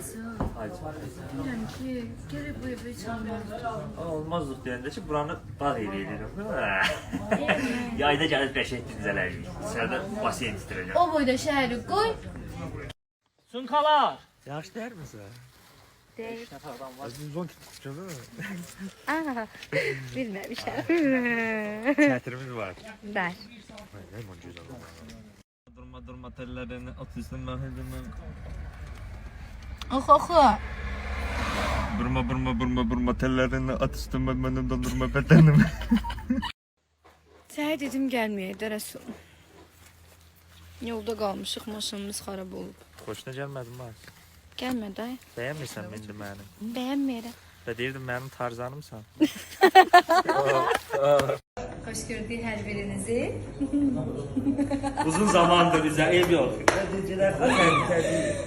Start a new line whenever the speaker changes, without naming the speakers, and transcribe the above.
Bilirəm ki, gərək bu evi çalmalıyıq.
Olmazlıq deyəndə ki, buranı bağ evi edirəm. Yayda gəlib qəşəng dincələyirik. Dışarıda basen istirəcəm.
O boyda şəhəri qoy.
Sunkalar! Yaxşı deyər misin?
Deyil.
Zon tutacaq mı?
Bilməmişəm.
Çətirimiz var.
Ver.
Durma tellerini at üstüne hızını.
Oxu.
Burma tellerini at üstüme benim dondurma bedenimi.
Səhər dedim gəlməyək də Rəsul. Yolda qalmışıq, maşınımız xarab olub.
Xoşuna gəlmədim bak.
Gəlmə də.
Bəyənmirsən indi məni.
Bəyənməyirəm.
Və deyirdim mənim tarzanımsan.
Xoş gördük hər birinizi.
Uzun zamandır bizə ev yox. Gecələr təbii.